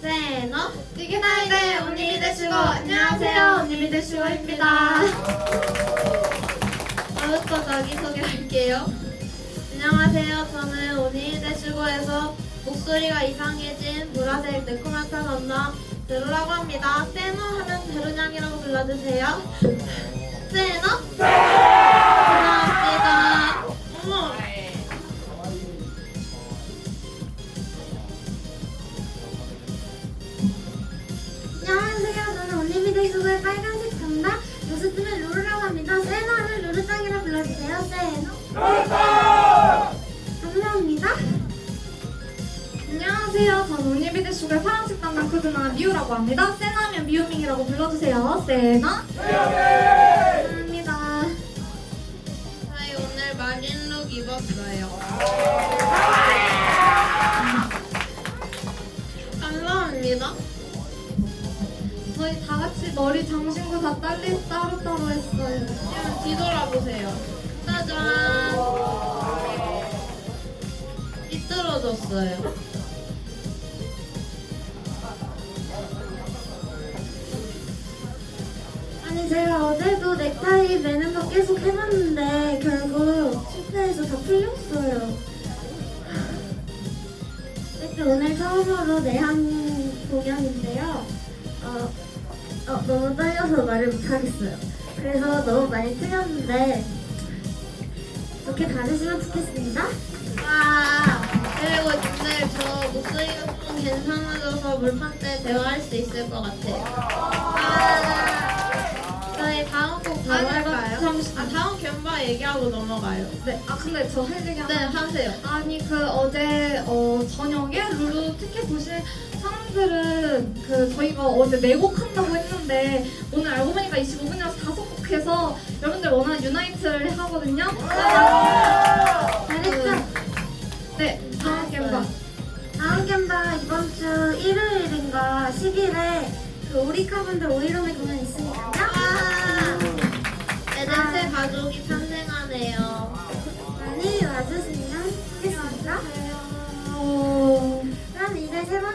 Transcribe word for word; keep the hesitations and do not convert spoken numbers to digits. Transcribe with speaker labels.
Speaker 1: 세너 디기타이드의 온리미드 슈거. 안녕하세요, 온리미드 슈거입니다. 저부터 자기소개할게요. 안녕하세요, 저는 온리미드 슈거에서 목소리가 이상해진 보라색 매콤한 언나 베로라고 합니다. 세너 하면 베로냥이라고 불러주세요. 세너? 고맙습니다. 어머.
Speaker 2: 안녕하세요. 저는 온리미드 슈거의 빨간색 정답 요스트의 루루라고 합니다. 세노는 루루짱이라 불러주세요. 세노. 감사합니다.
Speaker 3: 안녕하세요. 저는 온리미드 슈가의 파란색 담당 쿠드나 미우라고 합니다. 세나면 미우밍이라고 불러주세요. 세나. 감사합니다.
Speaker 1: 저희 오늘 마린룩 입었어요. 감사합니다.
Speaker 3: 저희 다 같이 머리 장신구 다 딸리 따로따로 했어요.
Speaker 1: 지금 뒤돌아보세요. 짜잔. 삐뚤어졌어요.
Speaker 2: 아니 제가 어제도 넥타이 매는 거 계속 해봤는데 결국 실패해서 다 풀렸어요. 어쨌든 오늘 처음으로 내한 공연인데요. 어, 어, 너무 떨려서 말을 못하겠어요. 그래서 너무 많이 틀렸는데 좋게 봐주시면 좋겠습니다.
Speaker 1: 와. 그리고 오늘 저 목소리가 좀 괜찮아져서 물판 때 대화할 수 있을 것 같아요. 와. 저희 다음 곡 바로
Speaker 3: 아니,
Speaker 1: 할까요?
Speaker 3: 잠시-
Speaker 1: 아, 다음 견바 얘기하고 넘어가요.
Speaker 3: 네, 아 근데 저 할 얘기
Speaker 1: 네,
Speaker 3: 하나.
Speaker 1: 하세요.
Speaker 3: 아니 그 어제 어 저녁에 룰루 티켓 보신 사람들은 그 저희가 어제 네 곡 한다고 했는데 오늘 알고 보니까 이십오 분이라서 다섯 곡 해서 여러분들 원하는 유나이트를 하거든요.
Speaker 2: 잘했죠?
Speaker 3: 네, 다음 겜바.
Speaker 2: 다음 gem바 이번 주 일요일인가 십 일에 그 오리카분들 오이로미 공연 있으니까요.
Speaker 1: 와. 에덴트 가족이 탄생하네요.
Speaker 2: 많이 와주시면 좋겠습니다.
Speaker 3: 어...
Speaker 2: 그럼 이제 세 번째